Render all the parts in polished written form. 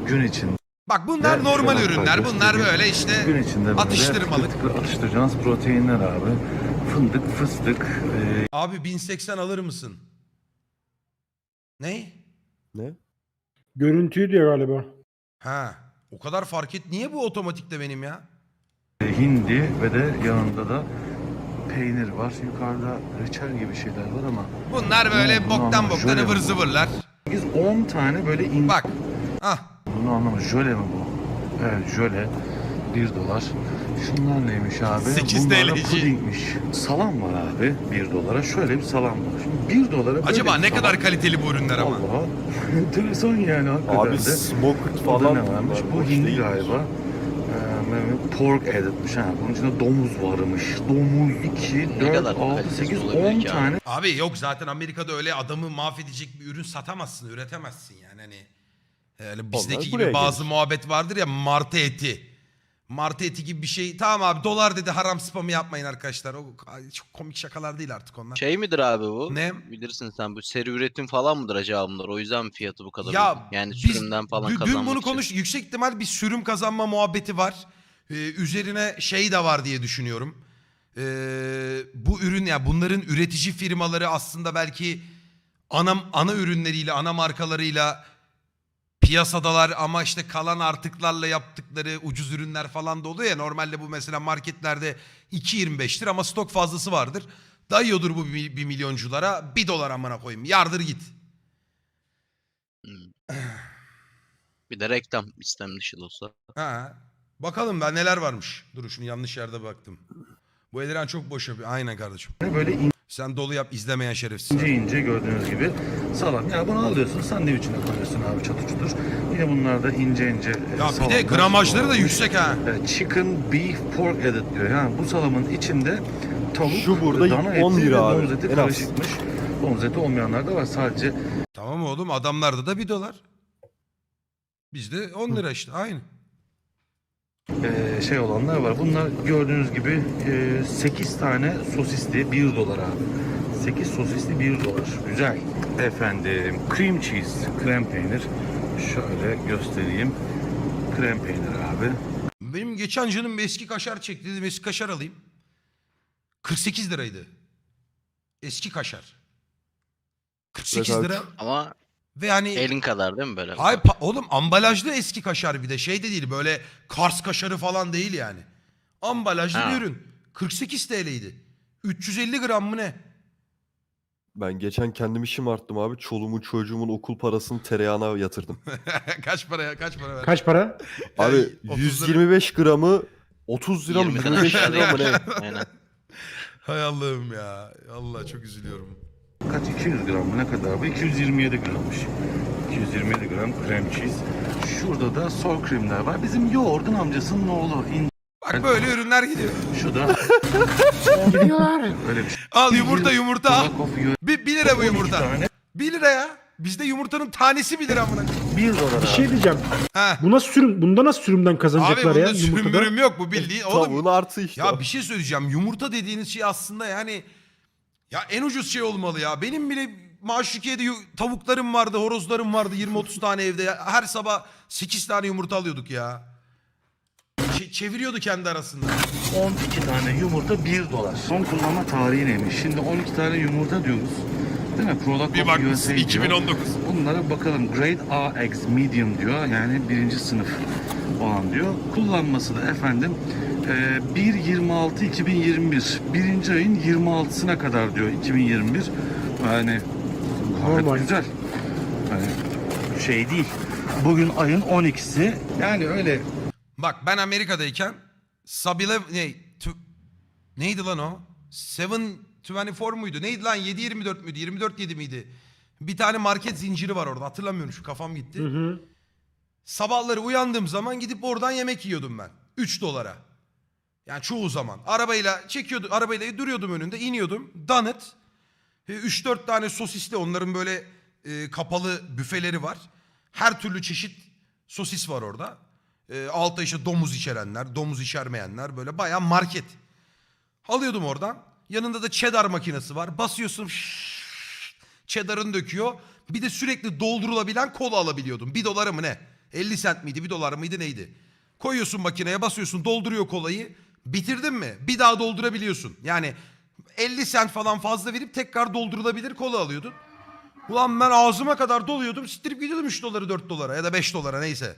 gün içinde. Bak bunlar normal Şöyle ürünler. Bunlar göstereyim. böyle işte Gün içinde böyle atıştırmalık. tıkır tıkır atıştıracağınız proteinler abi. Fındık, fıstık, Abi 1080 alır mısın? Ne? Ne? Görüntüyü diyor galiba. Ha. O kadar fark et. Niye bu otomatikte benim ya? hindi ve de yanında da peynir var. Yukarıda reçel gibi şeyler var ama Bunlar böyle Bunu boktan anlamadım. boktan Jöle ıvır mi? zıvırlar. 10 tane böyle Bak. Ah. Bunu anlamadım. Jöle mi bu? Evet, jöle. $1. Şunlar neymiş abi? 8 Bunlar da TL'ci. pudingmiş. Salam var abi $1. Şöyle bir salam var. Şimdi $1 böyle Acaba bir ne salam. kadar kaliteli bu ürünler ama? Allah. Enteresan yani hakikaten Abi de. smoked Burada falan ne varmış? var, Bu boş hindi değilmiş. galiba. Pork editmiş ha. Bunun içinde domuz varmış. Domuz 2, Ne 4, kadar 6, kalitesiz 8, olabilir 10 ki abi? tane Abi yok zaten Amerika'da öyle adamı mahvedecek bir ürün satamazsın, üretemezsin yani hani. Öyle bizdeki Onlar gibi buraya bazı gelir. muhabbet vardır ya, martı eti. Martı eti gibi bir şey. Tamam abi, dolar dedi, haram spamı yapmayın arkadaşlar. O çok komik şakalar değil artık onlar. Şey midir abi bu? Ne? Bilirsin sen, bu seri üretim falan mıdır acaba bunlar? O yüzden mi fiyatı bu kadar Ya uygun? Yani biz sürümden falan dün kazanmak bunu için. konuş, yüksek ihtimal bir sürüm kazanma muhabbeti var. Üzerine şey de var diye düşünüyorum. Bu ürün ya, bunların üretici firmaları aslında belki ana ürünleriyle, ana markalarıyla piyasadalar ama işte kalan artıklarla yaptıkları ucuz ürünler falan da oluyor ya. Normalde bu mesela marketlerde 2.25'tir ama stok fazlası vardır. Dayıyordur bu bir milyonculara, $1 amına koyayım. Yardır git. Bir de reklam istem dışı da olsa. Ha. Bakalım ben neler varmış. Dur şunu, yanlış yerde baktım. Bu Eliren çok boş yapıyor. Aynen kardeşim. böyle Sen dolu yap, izlemeyen şerefsiz. ince ince gördüğünüz gibi salam. Ya bunu alıyorsun, sandviçine koyuyorsun abi, çatır çutur. Yine bunlar da ince ince Ya bir de salamlar. gramajları da yüksek ha. Chicken, beef, pork edit diyor. Yani bu salamın içinde tavuk, Şu burada dana eti 10 ve lira abi, domuz eti en az. karışıkmış. Domuz eti olmayanlar da var sadece. Tamam oğlum, adamlarda da $1. Bizde 10 lira işte, aynı. Şey olanlar var. Bunlar gördüğünüz gibi 8 tane sosisli $1 abi. 8 sosisli $1. Güzel. Efendim cream cheese, krem peynir. Şöyle göstereyim. Krem peynir abi. Benim geçen canım bir eski kaşar çekti. Dedim eski kaşar alayım. 48 liraydı. Eski kaşar. 48 Evet abi. lira. Ama Ve hani... elin kadar değil mi böyle? Ay oğlum, ambalajlı eski kaşar, bir de şey de değil, böyle Kars kaşarı falan değil yani. Ambalajlı Ha. bir ürün. 48 TL'ydi. 350 gram mı ne? Ben geçen kendimi şımarttım abi. Çoluğumun çocuğumun okul parasını tereyağına yatırdım. Kaç paraya, kaç para ver? Kaç para? Abi Yani 30 lira. 125 gramı 30 lira mı 20'den 25 aşağı lira mı değil. ne? Aynen. Hay Allah'ım ya. Allah, çok üzülüyorum. Kaç? 200 gram mı? Ne kadar bu? 227 grammış. 227 gram krem cheese. Şurada da sour creamler var. Bizim yoğurdun amcasının oğlu. Bak böyle ürünler gidiyor. Şu da öyle bir şey. Al yumurta al. Coffee yiyor. 1 lira bu 12 yumurta. tane 1 lira ya. Bizde yumurtanın tanesi 1 lira amına. $1 Bir abi. şey diyeceğim. Ha. Bu nasıl sürüm? Bunda nasıl sürümden Abi kazanacaklar ya? bunda sürüm Yumurtada? mürüm yok, bu bildiğin. Oğlum Tavuğun artı işte. ya bir şey söyleyeceğim. Yumurta dediğiniz şey aslında yani ya en ucuz şey olmalı ya. Benim bile Maşukiye'de tavuklarım vardı, horozlarım vardı, 20-30 tane evde. Ya. Her sabah 8 tane yumurta alıyorduk ya. Çeviriyordu kendi arasında. 12 tane yumurta $1. Son kullanma tarihi neymiş? Şimdi 12 tane yumurta diyoruz. Değil mi? Product Bir of bak, USA diyor. 2019. Bunlara bakalım. Grade A X medium diyor. Yani birinci sınıf olan diyor. Kullanması da efendim 1.26.2021. Birinci ayın 26'sına kadar diyor 2021. Yani gayet Normal. güzel. Yani şey değil. Bugün ayın 12'si. Yani öyle Bak ben Amerika'dayken Sabile neydi lan o? 724 muydu? Neydi lan? 724 müydü? 24/7 miydi? Bir tane market zinciri var orada. Hatırlamıyorum, şu kafam gitti. Hı hı. Sabahları uyandığım zaman gidip oradan yemek yiyordum ben. $3. Yani çoğu zaman. Arabayla duruyordum önünde, iniyordum. Donut. 3-4 tane sosisli, onların böyle kapalı büfeleri var. Her türlü çeşit sosis var orada. Altta işte domuz içerenler, domuz içermeyenler, böyle bayağı market. Alıyordum oradan. Yanında da cheddar makinesi var. Basıyorsun, cheddar'ını döküyor. Bir de sürekli doldurulabilen kola alabiliyordum. $1 mı ne? 50 cent miydi, 1 dolar mıydı neydi? Koyuyorsun makineye, basıyorsun, dolduruyor kolayı. Bitirdin mi? Bir daha doldurabiliyorsun. Yani 50 cent falan fazla verip tekrar doldurulabilir kola alıyordun. Ulan ben ağzıma kadar doluyordum. Siktirip gidiyordum 3 doları 4 dolara ya da 5 dolara neyse.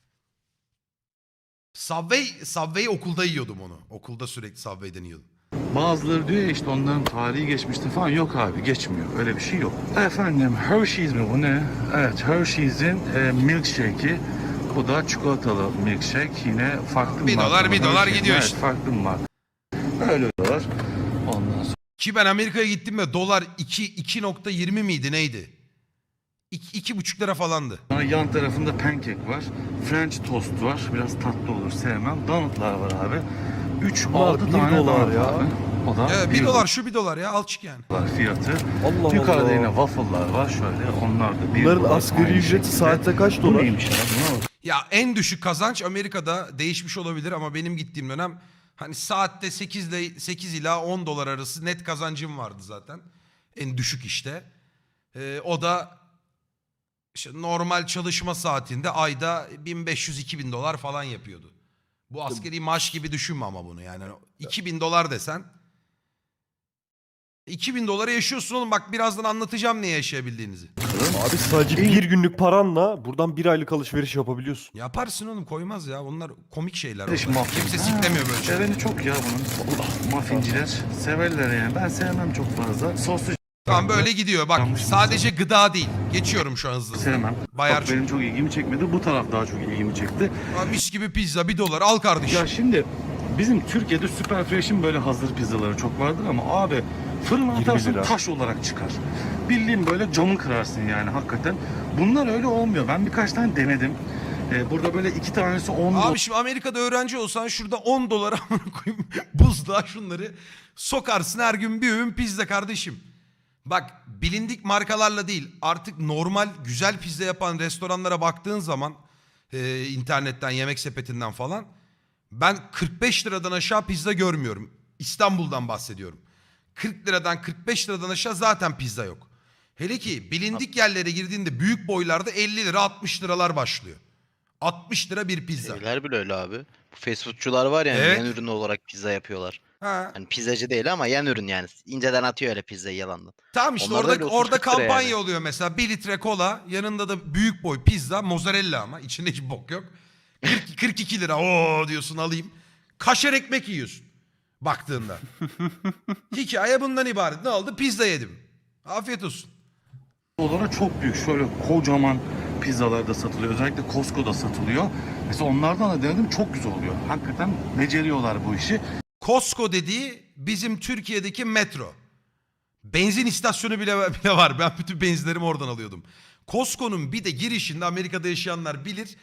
Subway okulda yiyordum onu. Okulda sürekli Subway'den yiyordum. Bazıları diyor ya işte onların tarihi geçmişti falan. Yok abi, geçmiyor. Öyle bir şey yok. Efendim Hershey's mi bu ne? Evet, Hershey's'in milkshake'i. Bu da çikolatalı milkshake. Yine farklı $1 marka. $1 Hershey's, gidiyor evet, işte. farklı bir marka. Öyle diyorlar. Ondan Ki ben Amerika'ya gittim ve dolar 2.20 miydi neydi? 2,5 lira falandı. sonra yan tarafında pancake var. French toast var. Biraz tatlı olur, sevmem. Donutlar var abi. 3-6 1 tane dolar donut ya. abi. O da Evet, 1 dolar şu 1 dolar ya al çık yani. dolar fiyatı. Allah Yukarıda Allah. yine waffle'lar var şöyle. Onlar da 1 Bunların dolar. asgari Aynı ücreti şekilde. saatte kaç Bu dolar? neymiş ya? Buna bak. Ya en düşük kazanç Amerika'da değişmiş olabilir ama benim gittiğim dönem hani saatte 8 ila 10 dolar arası net kazancım vardı zaten. En düşük işte. O da işte normal çalışma saatinde ayda 1500-2000 dolar falan yapıyordu. Bu askeri maaş gibi düşünme ama bunu yani. 2000 dolar desen 2000 dolara yaşıyorsun oğlum, bak birazdan anlatacağım ne yaşayabildiğinizi. Abi sadece bir günlük paranla buradan 1 aylık alışveriş yapabiliyorsun. Yaparsın oğlum, koymaz ya, bunlar komik şeyler. Kardeşim, onlar. muffin. Kimse Ha, siklemiyor böyle şeyler. Seveni çok ya bunun. Muffinciler severler yani. Ben sevmem çok fazla. Soslu Tamam böyle gidiyor bak, Yanlış sadece gıda değil. Geçiyorum şu an hızlı. sevmem. Bayar Bak, benim çok ilgimi çekmedi. Bu taraf daha çok ilgimi çekti. mis gibi pizza 1 dolar al kardeşim. Ya şimdi bizim Türkiye'de Superfresh'in böyle hazır pizzaları çok vardır ama abi fırına 20 atarsın lira. taş olarak çıkar. Bildiğin böyle camı kırarsın yani hakikaten. Bunlar öyle olmuyor. Ben birkaç tane denedim. Burada böyle 2 tanesi 10 Abi şimdi Amerika'da öğrenci olsan şurada 10 dolara amına koyayım buzluğa şunları sokarsın, her gün bir öğün pizza kardeşim. Bak bilindik markalarla değil, artık normal güzel pizza yapan restoranlara baktığın zaman internetten, yemek sepetinden falan, ben 45 liradan aşağı pizza görmüyorum. İstanbul'dan bahsediyorum. 40 liradan 45 liradan aşağı zaten pizza yok. Hele ki bilindik yerlere girdiğinde büyük boylarda 50 lira 60 liralar başlıyor. 60 lira bir pizza. Şeyler bile öyle abi. Bu fast foodçular var yani Evet. yan ürünü olarak pizza yapıyorlar. Ha. Hani pizzacı değil ama yan ürün yani. İnceden atıyor öyle pizzayı yalandan. Tamam işte Onlar da orada öyle orada 30-40 lira kampanya yani. oluyor mesela, 1 litre kola, yanında da büyük boy pizza, mozzarella ama içinde hiç bok yok. 42 lira o diyorsun alayım. Kaşar ekmek yiyorsun baktığında. Hikaye bundan ibaret. Ne oldu? Pizza yedim. Afiyet olsun. dolara çok büyük. Şöyle kocaman pizzalar da satılıyor. Özellikle Costco'da satılıyor. Mesela onlardan da denedim, çok güzel oluyor. Hakikaten beceriyorlar bu işi. Costco dediği bizim Türkiye'deki metro. Benzin istasyonu bile var. Ben bütün benzinlerimi oradan alıyordum. Costco'nun bir de girişinde, Amerika'da yaşayanlar bilir,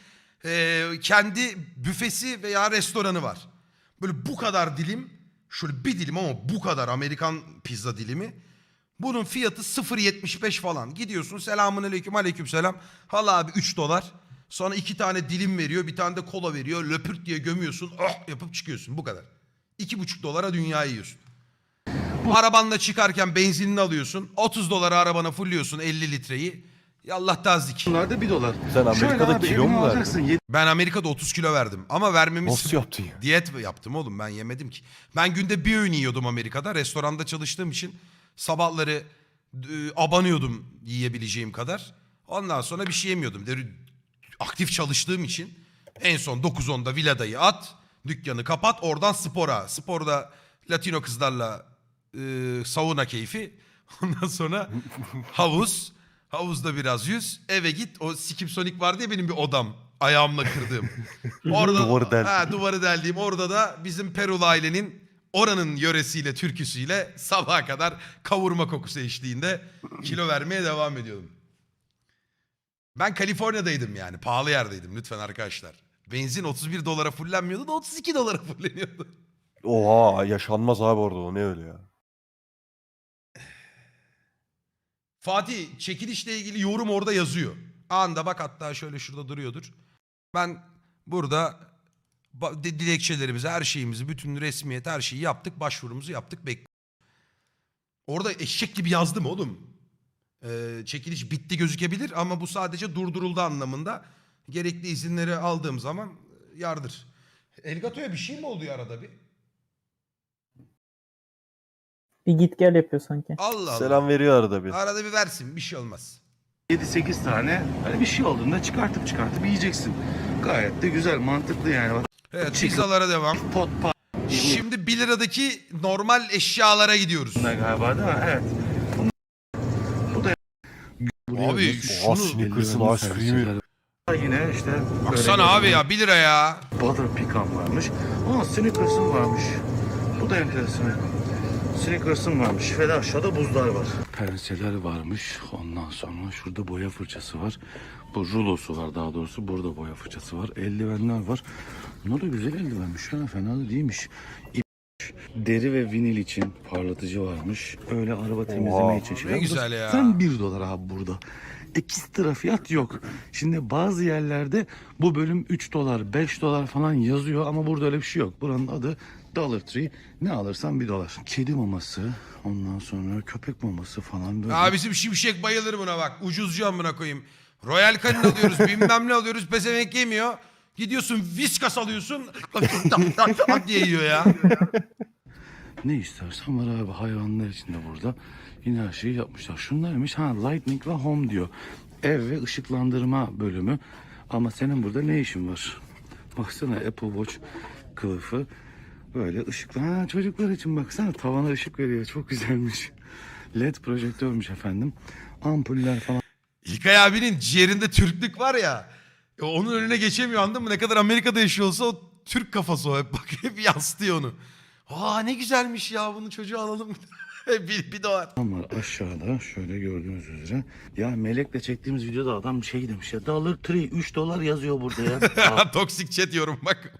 kendi büfesi veya restoranı var. Böyle bu kadar dilim, şöyle bir dilim ama bu kadar Amerikan pizza dilimi. Bunun fiyatı 0.75 falan. Gidiyorsun, selamun aleyküm, aleyküm selam. Hala abi 3 dolar. Sonra 2 tane dilim veriyor, bir tane de kola veriyor. Löpürt diye gömüyorsun, oh yapıp çıkıyorsun, bu kadar. 2,5 dolara dünyayı yiyorsun. Arabanla çıkarken benzinini alıyorsun. 30 dolara arabana fulluyorsun 50 litreyi. Yallah tazik. Bunlar da 1 dolar. Sen Amerika'da abi, kilo evine mu verdin? alacaksın, Ben Amerika'da 30 kilo verdim. Ama vermemin Nasıl yaptın ya? diyet yaptım oğlum, ben yemedim ki. Ben günde bir öğün yiyordum Amerika'da. Restoranda çalıştığım için sabahları abanıyordum yiyebileceğim kadar. Ondan sonra bir şey yemiyordum. Aktif çalıştığım için en son 9-10'da villadayı at, dükkanı kapat, oradan spora. Sporda Latino kızlarla sauna keyfi. Ondan sonra havuz. Havuzda biraz yüz. Eve git. O Skip Sonic vardı ya benim bir odam. Ayağımla kırdığım. Orada, Duvarı deldim. duvarı deldiğim. Orada da bizim Perulu ailenin oranın yöresiyle, türküsüyle sabaha kadar kavurma kokusu eşliğinde kilo vermeye devam ediyordum. Ben Kaliforniya'daydım yani. Pahalı yerdeydim lütfen arkadaşlar. Benzin 31 dolara fullenmiyordu da 32 dolara fulleniyordu. Oha, yaşanmaz abi orada, o ne öyle ya. Fatih, çekilişle ilgili yorum orada yazıyor. Anında bak, hatta şöyle şurada duruyordur. Ben burada dilekçelerimizi, her şeyimizi, bütün resmiyet, her şeyi yaptık. Başvurumuzu yaptık. Orada eşek gibi yazdım oğlum. Çekiliş bitti gözükebilir ama bu sadece durduruldu anlamında. Gerekli izinleri aldığım zaman yardır. Elgato'ya bir şey mi oluyor arada bir? Bir git gel yapıyor sanki. Allah Allah. Selam veriyor arada bir. Arada bir versin, bir şey olmaz. 7-8 tane hani bir şey olduğunda çıkartıp yiyeceksin. Gayet de güzel, mantıklı yani. Bak, Evet, pizzalara devam. pot pat Şimdi 1 liradaki normal eşyalara gidiyoruz. galiba değil mi? Evet. Abi Oha, şunu Snickers'ın ice cream'i. Yine işte baksana abi ya 1 lira ya. butter pecan varmış. Aa, Snickers'ın varmış. Bu da enteresan. Snickers'ın varmış ve de aşağıda buzlar var. Penseler varmış. Ondan sonra şurada boya fırçası var. Bu rulosu var daha doğrusu. Burada boya fırçası var. Eldivenler var. Bunlar da güzel eldivenmiş. Ha, fena da değilmiş. Deri ve vinil için parlatıcı varmış. Öyle araba temizleme için şeyler. ne güzel ya. Sen $1 abi burada. Ekstra fiyat yok. Şimdi bazı yerlerde bu bölüm $3, $5 falan yazıyor ama burada öyle bir şey yok. Buranın adı Dollar Tree. Ne alırsan $1. Kedi maması, ondan sonra köpek maması falan böyle. Aa, bizim Şimşek bayılır buna bak. Ucuzcu amına koyayım. Royal Canin alıyoruz, bilmem ne alıyoruz. Pezevenk yemiyor. Gidiyorsun Whiskas alıyorsun. diye yiyor ya. Ne istersen var abi, hayvanlar için de burada. Yine her şeyi yapmışlar. Şunlarmış, Lightning ve Home diyor. Ev ve ışıklandırma bölümü. Ama senin burada ne işin var? Baksana Apple Watch kılıfı. Böyle ışıklı. Çocuklar için baksana, tavana ışık veriyor. Çok güzelmiş. LED projektörmüş efendim. Ampuller falan. İlkay abinin ciğerinde Türklük var ya. Onun önüne geçemiyor, anladın mı? Ne kadar Amerika'da yaşıyor olsa o Türk kafası o. Hep bak, hep yansıtıyor onu. Aa, ne güzelmiş ya, bunu çocuğa alalım. bir dolar. Var aşağıda şöyle gördüğünüz üzere. Ya Melek'le çektiğimiz videoda adam bir şey demiş ya. Dollar Tree $3 yazıyor burada ya. Toksik chat yorum bak.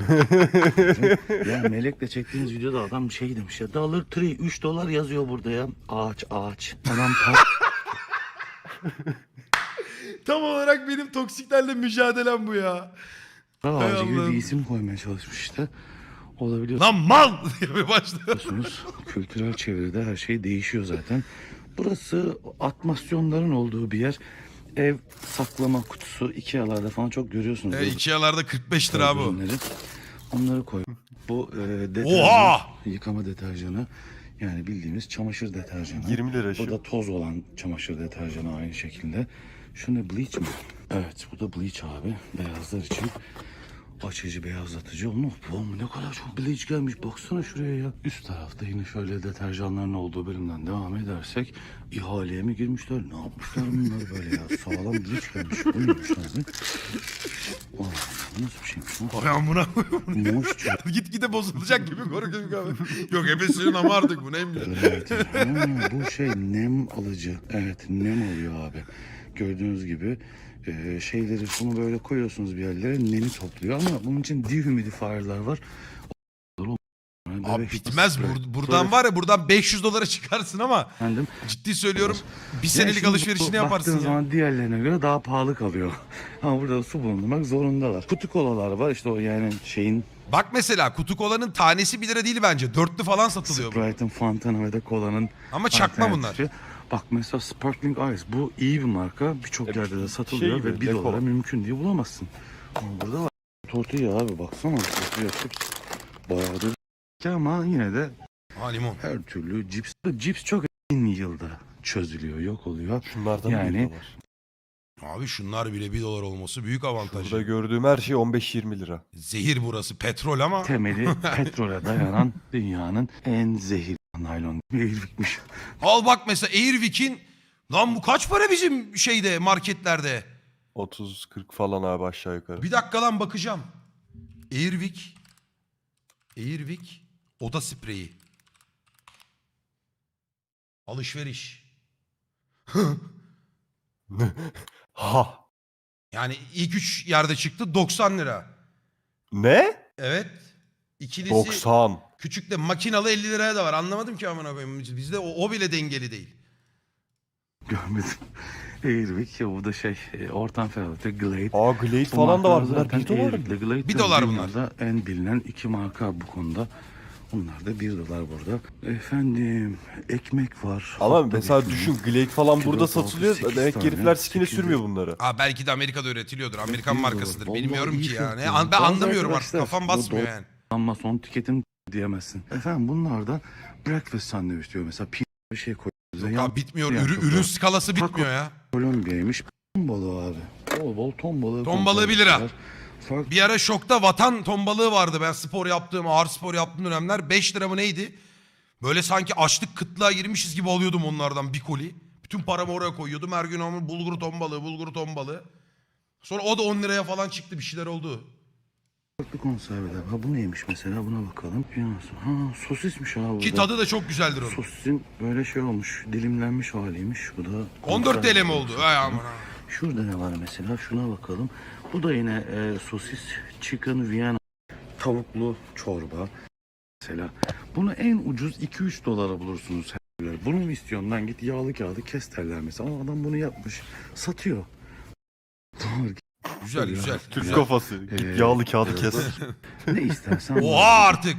Ya Melek'le çektiğimiz videoda adam bir şey demiş ya. Dollar Tree $3 yazıyor burada ya. Ağaç. Adam Tam olarak benim toksiklerle mücadelem bu ya. para Hay ağacı gibi Allah'ım. bir isim koymaya çalışmış işte. Olabiliyor. Lan mal diye başlıyor. Biliyorsunuz kültürel çevrede her şey değişiyor zaten. Burası atmasyonların olduğu bir yer. Ev saklama kutusu Ikea'larda falan çok görüyorsunuz. Böyle Ikea'larda 45 lira bu. ürünleri. Onları koy. Bu deterjan, Oha! yıkama deterjanı. Yani bildiğimiz çamaşır deterjanı. 20 lira Bu şu. da toz olan çamaşır deterjanı aynı şekilde. Şu ne, bleach mi? Evet, bu da bleach abi. Beyazlar için. Açıcı, beyazlatıcı. Oğlum ne kadar çok bleach gelmiş. Baksana şuraya ya. Üst tarafta yine şöyle deterjanların olduğu bölümden devam edersek ihaleye mi girmişler? Ne yapmışlar bunlar böyle ya? Sağlam bleach gelmiş. Bu neymiş abi? Oh, bu nasıl bir şeymiş lan? Ay amına koyayım. Moisture. Gitgide bozulacak gibi korkuyorum abi. Yok ebesinin ama artık bu neymiş? Evet. Bu şey nem alıcı. Evet, nem alıyor abi. Gördüğünüz gibi şeyleri, bunu böyle koyuyorsunuz bir yerlere, nemi topluyor ama bunun için dehumidifier'lar var. Abi bitmez. Buradan var ya, buradan $500 çıkarsın ama Efendim, ciddi söylüyorum bir yani senelik şimdi alışverişini bu yaparsın baktığın ya. zaman diğerlerine göre daha pahalı kalıyor. Ama burada su bulundurmak zorundalar. Kutu kolalar var işte, o yani şeyin, Bak mesela kutu kolanın tanesi 1 lira değil bence. Dörtlü falan satılıyor bu. Sprite'ın, Fanta'nın ve de kolanın Ama çakma bunlar. alternatifi. Bak mesela Sparkling Ice, bu iyi bir marka. Birçok yerde de satılıyor şey ve gibi, $1 dekor. mümkün diye bulamazsın. Ama burada var. Tortilla abi, baksana. Tortilla chips. Bayağı da ama yine de Ha, limon. her türlü cips. Cips çok en yılda çözülüyor, yok oluyor. Şunlardan Yani- yani... var. Abi şunlar bile $1 olması büyük avantaj. Burada gördüğüm her şey 15-20 lira. Zehir burası, petrol ama. Temeli petrole dayanan dünyanın en zehirli naylon Airwick'miş. Al bak mesela Airwick'in, lan bu kaç para bizim şeyde, marketlerde? 30-40 falan abi aşağı yukarı. Bir dakika lan, bakacağım. Airwick oda spreyi. Alışveriş. Ha! Yani ilk 3 yerde çıktı 90 lira. Ne? Evet. İkilisi 90. küçük de makinalı 50 liraya da var. Anlamadım ki amına koyayım. Bizde o bile dengeli değil. Görmedim. Airwick ya, bu da şey, ortam ferahlıkta Glade. Aa Glade Bu falan da var. markalar Bunlar zaten 1 dolar mı? Airwick'le Glade 1 de dolar dünyada en bilinen iki marka bu konuda. Bunlar da 1 dolar burada. Efendim ekmek var. Ama Hatta mesela bir düşün Glade falan İki, burada dört, altı, satılıyor. sekiz Demek ki tane, herifler sikine 800. sürmüyor bunları. Aa, belki de Amerika'da üretiliyordur. Amerikan 1 dolar. markasıdır. Vallahi Bilmiyorum iyi ki ya. fiyat Ne, ya. ben Bazı anlamıyorum artık. arkadaşlar Kafam bu basmıyor yani. Ama son tüketim diyemezsin. Efendim bunlar da breakfast sandviç diyor. Mesela bir şey koyuyoruz. Ya bitmiyor. Ya, çok Ürün doğru. skalası bitmiyor ya. Kolombiya'ymış. Ton balığı abi. Bol bol ton balığı. Ton balığı 1 lira. konservesi var. Farklı Bir ara şokta vatan ton balığı vardı. Ben spor yaptığım, ağır spor yaptığım dönemler 5 lira mı neydi? Böyle sanki açlık kıtlığa girmişiz gibi alıyordum onlardan bir koli. Bütün paramı oraya koyuyordum. Her gün ama bulgur ton balığı, bulgur ton balığı. Sonra o da 10 liraya falan çıktı. Bir şeyler oldu. farklı konserveler. Ha bu neymiş mesela, buna bakalım. Ha sosismiş abi. Ki bu da. tadı da çok güzeldir onun. Sosisin böyle şey olmuş, dilimlenmiş haliymiş. Bu da 14 TL mi oldu? Ay aman ha. Şurada ne var mesela? Şuna bakalım. Bu da yine sosis chicken Vienna. Tavuklu çorba. Mesela bunu en ucuz 2-3 dolara bulursunuz. Bunu mu istiyorsun lan, git yağlı kağıdı kes derler mesela. Ama adam bunu yapmış, satıyor. Doğru. Güzel güzel. Türk güzel. kafası. Git yağlı kağıdı kes. Ne istersen. Oha artık.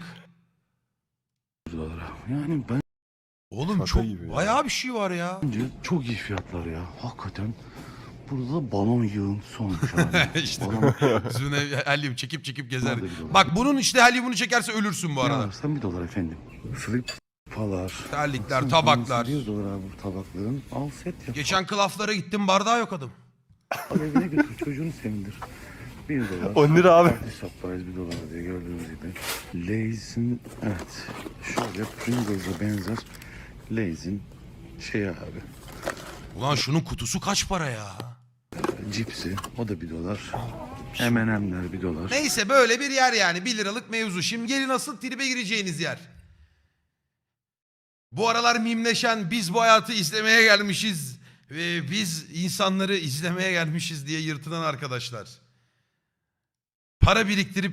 dolara. Yani bence Oğlum Şaka çok gibi ya. bayağı bir şey var ya. çok iyi fiyatlar ya. Hakikaten. Burada da balon yığıntısı olmuş abi. İşte. Balon. Üstüne helyum çekip gezer. Nerede bir dolar? Bak bunun işte helyumunu çekerse ölürsün bu Ne arada. alırsan 1 dolar efendim. Flip falar. Terlikler, Baksana, tabaklar. 1 dolar abi bu tabakların. Al set yap. Geçen klaflara gittim, bardağı yok adam. Al evine götür, çocuğunu sevindir. 1 dolar. 10 lira abi. Party supplies 1 dolar diye gördüğünüz gibi. Lay's'in evet. Şöyle Pringles'a benzer Lay's'in şey abi. Ulan şunun kutusu kaç para ya? Cipsi o da 1 dolar. M&M'ler 1 dolar. Neyse böyle bir yer yani. 1 liralık mevzu. Şimdi gelin asıl tribe gireceğiniz yer. Bu aralar mimleşen biz bu hayatı izlemeye gelmişiz ve biz insanları izlemeye gelmişiz diye yırtılan arkadaşlar. Para biriktirip